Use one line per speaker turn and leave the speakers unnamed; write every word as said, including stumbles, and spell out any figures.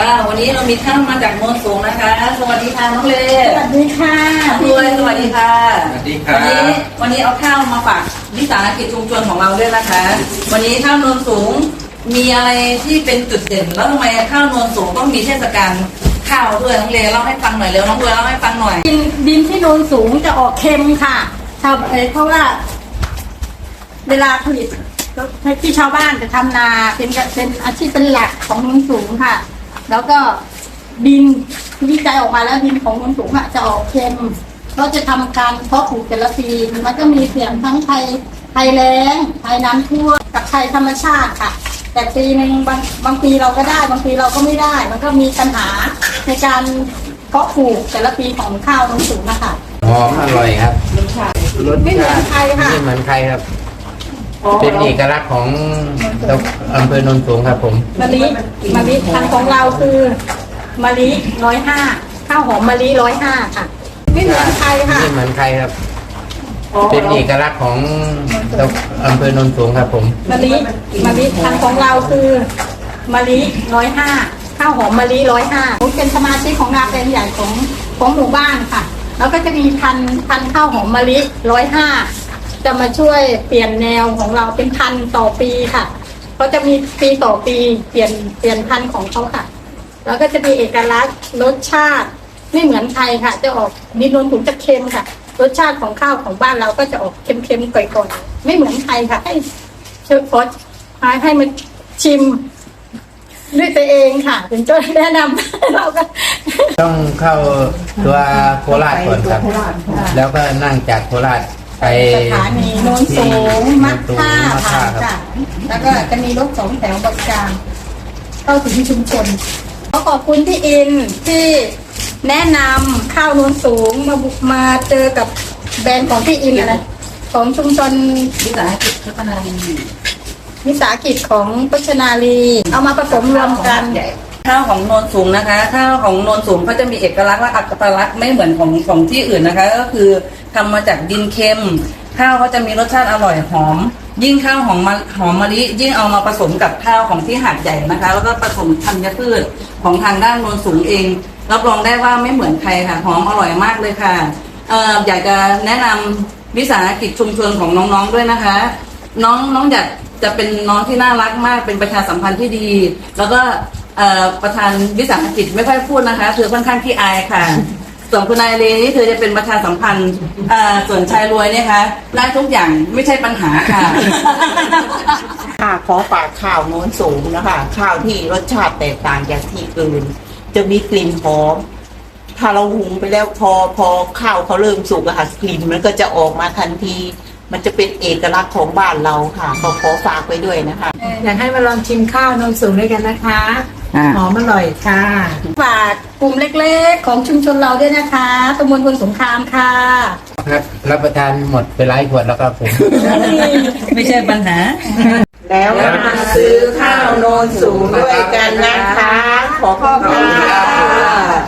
ว่าวันนี้เรามีข้าวมาจากโนนสูงนะคะสวัสดีค่ะน้องเล
สวัสดีค่ะ
พี่เลยสวัสดีค่ะ
สวัสดีครับ
วันนี้วันนี้เอาข้าวมาฝากวิสาหกิจชุมชนของเราด้วยนะคะวันนี้ข้าวโนนสูงมีอะไรที่เป็นจุดเด่นแล้วทำไมข้าวโนนสูงต้องมีเทศกาลข้าวด้วยน้องเลเล่าให้ฟังหน่อยเร็วน้องเลเล่าให้ฟังหน่อย
ดินดินที่โนนสูงจะออกเค็มค่ะชาวเพราะว่าเวลาผลิตที่ชาวบ้านจะทำนาเป็นเป็นอาชีพเป็นหลักของโนนสูงค่ะแล้วก็ดินวิจัยออกมาแล้วดินของโนนสูงอ่ะจะออกเค็มเราจะทำการเพาะปลูกแต่ละปีมันก็มีเสี่ยงทั้งภัยภัยแล้งภัยน้ำท่วมกับภัยธรรมชาติค่ะแต่ปีหนึ่งบางบางปีเราก็ได้บางปีเราก็ไม่ได้มันก็มีปัญหาในการเพาะปลูกแต่ละปีของข้าวโนนสูงนะคะ
หอมอร่อยครับ
รสชาติไม่เหมือนใครค่ะ
ไม่เหมือนใครครับเป็นเอกลักษณ์ของอำเภอโนนสูงครับผม
มะลิมะลิพันธุ์ของเราคือมะลิร้อยห้าข้าวหอมมะลิร้อยห้าค่ะไม่เหมือนใครค่ะ
ไม่เหมือนใครครับเป็นเอกลักษณ์ของอำเภอโนนสูงครับผม
มะลิมะลิพันธุ์ของเราคือมะลิร้อยห้าข้าวหอมมะลิร้อยห้าเป็นสมาชิกของงานเป็นใหญ่ของของหมู่บ้านค่ะแล้วก็จะมีพันพันข้าวหอมมะลิร้อยห้าจะมาช่วยเปลี่ยนแนวของเราเป็นพันต่อปีค่ะเขาจะมีปีต่อปีเปลี่ยนเปลี่ยนพันธุ์ของเขาค่ะแล้วก็จะมีเอกลักษณ์รสชาติไม่เหมือนใครค่ะจะออกดินโนนสูงจะเค็มค่ะรสชาติของข้าวของบ้านเราก็จะออกเค็มๆก่อยๆไม่เหมือนใครค่ะให้เชิญขอให้ให้มาชิมด้วยตัวเองค่ะถึงจะแนะนำเราก็
ต้องเข้าตัวโคราชก่อนครับแล้วก็นั่งจากโคราชไป
สถานีโนนสูงมัดท่าผ่านค่ะแล้วก็จะมีรถสองแถวบริการเข้าถึงชุมชนขอขอบคุณพี่อินที่แนะนำข้าวโนนสูงมาบุกมาเจอกับแบรนด์ของพี่อินนะของชุมชน
วิสาหกิจพัฒนาลี
วิสาหกิจของพัฒนาลีเอามาผสมรวมกัน
ข้าวของโนนสูงนะคะข้าวของโนนสูงเขาจะมีเอกลักษณ์และอัตลักษณ์ไม่เหมือนของของที่อื่นนะคะก็คือทำมาจากดินเค็มข้าวเขาจะมีรสชาติอร่อยหอมยิ่งข้าวหอมหอมมะลิยิ่งเอามาผสมกับข้าวของที่หาดใหญ่นะคะแล้วก็ผสมธัญพืชของทางด้านโนนสูงเองรับรองได้ว่าไม่เหมือนใครค่ะหอมอร่อยมากเลยค่ะเอ่ออยากจะแนะนำวิสาหกิจชุมชนของน้องๆด้วยนะคะน้องน้องอยากจะเป็นน้องที่น่ารักมากเป็นประชาสัมพันธ์ที่ดีแล้วก็ประธานวิสาหกิจไม่ค่อยพูดนะคะเธอค่อนข้างขี้อายค่ะส่วนคุณนายเลนี่เธอจะเป็นประชาสัมพันธ์ส่วนชายรวยเนี่ยคะได้ทุกอย่างไม่ใช่ปัญหาค่ะ
ค่ะขอฝากข้าวโน้นสูงนะคะข้าวที่รสชาติแตกต่างจากที่อื่นจะมีกลิ่นหอมถ้าเราหุงไปแล้วพอพอข้าวเขาเริ่มสุกอะค่ะกลิ่นมันก็จะออกมาทันทีมันจะเป็นเอกลักษณ์ของบ้านเราค่ะขอขอฝากไว้ด้วยนะคะ
อยากให้มาลองชิมข้าวโนนสูงด้วยกันนะคะหอมอร่อยค่ะ
ฝากกลุ่มเล็กๆของชุมชนเราด้วยนะคะตำบลพลสงครามค่ะ
ครับรับประทานหมดไปหลายขวดแล้วครับผม
ไม่ใช่ปัญหา
แล้วมาซื้อข้าวโนนสูงด้วยกันนะคะขอขอบคุณค่ะ